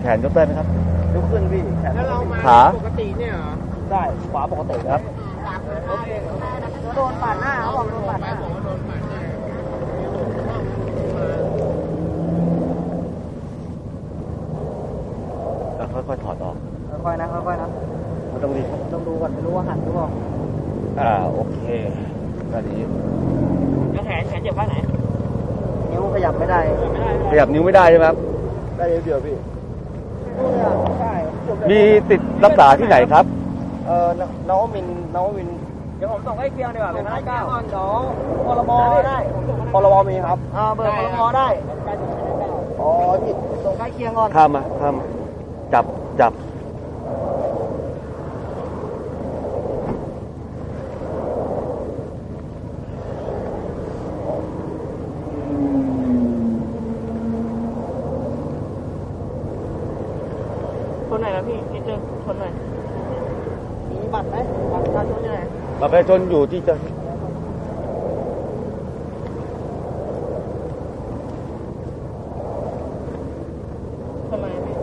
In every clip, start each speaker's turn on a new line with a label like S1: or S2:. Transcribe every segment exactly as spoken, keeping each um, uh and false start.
S1: แขนยกได้ไหมครับ
S2: ยกขึ้นพี่แขน
S3: แล้วเรามา
S1: ขา
S3: ปกติเนี่ยเหรอ
S2: ได้ขวาปกติครับ
S3: โอเค
S4: โดนปาดหน้าเขาบอกโดนปาดหน้า
S3: ผมว่าโดนปาดหน้า
S1: อ่ะค่อยๆถอดออก
S4: ค่อยๆนะค่อยๆนะ
S1: ไม่ต้องรีบ
S4: ต้องดูก่อนไม่รู้ว่าหันหรือเปล่า
S1: อ่าโอเคด้านนี้
S3: แล้วแขนแขนเจ็บข้างไหน
S4: นิ้วขยับไม่ได้
S3: ไม่ได้
S1: ขยับนิ้วไม่ได้ใช่ไหมครับ
S2: ได้เดียวพี่
S4: ใช่
S1: มีติดรักษาที่ไหนครับ
S2: เอ่อนวมินทร์นวมินทร์
S3: เดี๋ยวผมส่งให้เคียงดีกว่าเป็นห้าเก้าก่อนเดี๋ยว
S4: พรบได้
S2: พรบมีครับ
S4: อ่าเบอร์พรบได้
S2: อ๋อพี่
S4: ส่งใกล้เคียงก่อน
S1: ข้ามมาข้ามมาจับจับ
S3: คนไหนนะพี่นิดนึงคนไหน
S4: มีบัตรไหมบัตรประชาชนอยู่ไหน
S1: บัตรประชาชนอยู่ที่จะ
S3: ทำไมพี่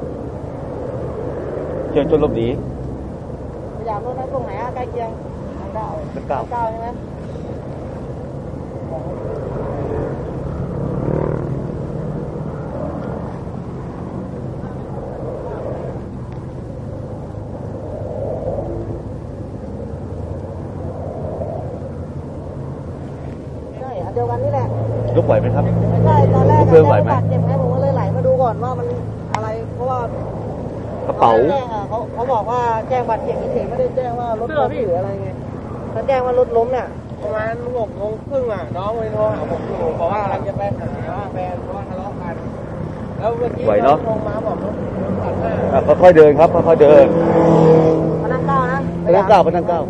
S1: เชิญชนหลบหนี
S4: พยายามรถนั้นตรงไหนอะใกล้เคียงทางเก้า
S1: ทางเก้า
S4: เก้าใช่ไหม ใช่อันเดียวกันนี่แหละ
S1: ยกไหวไหมครับ
S4: ไม่ใช่ตอนแรก
S1: เพื่อนไหวไหม
S4: บาดเจ็บไงผมก็เลยไหลมาดูก่อนว่ามันอะไรเพราะว่าก
S1: ระเป๋า
S4: แจ้งอะเขาเขาบอกว่าแจ้งบาดเจ็บเฉยๆไม่ได้แจ้งว่ารถล้มหรืออะไรไงถ้าแจ้งว่ารถล้มเนี่ย
S3: ประมาณหกโมงครึ่งอ่ะน้องไปโทรหาผมอยู่บอกว่ากำลังจะไปหาแฟนเพราะว่าทะเลาะกันแล้วเมื่อกี้
S1: ไหวเนอะ
S3: ลงมาบอกรถรถตัดหน้า
S1: อ่ะค่อยๆเดินครับค่อยๆเดิน
S4: พนักเก้านะ
S1: พนักเก้าพนักเก้า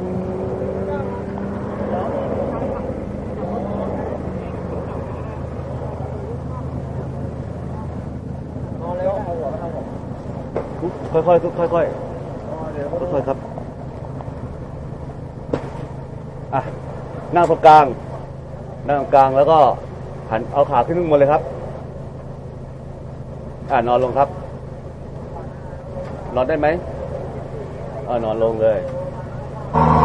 S2: นอนแล้วเอาหัวมาทางผม
S1: ค่อยๆค่อยๆค่อยๆค่อยๆครับอ่ะนั่งตรงกลางนั่งตรงกลางแล้วก็หันเอาขาขึ้นข้างบนเลยครับอ่านอนลงครับ นอนได้ไหมเออนอนลงเลย
S4: เ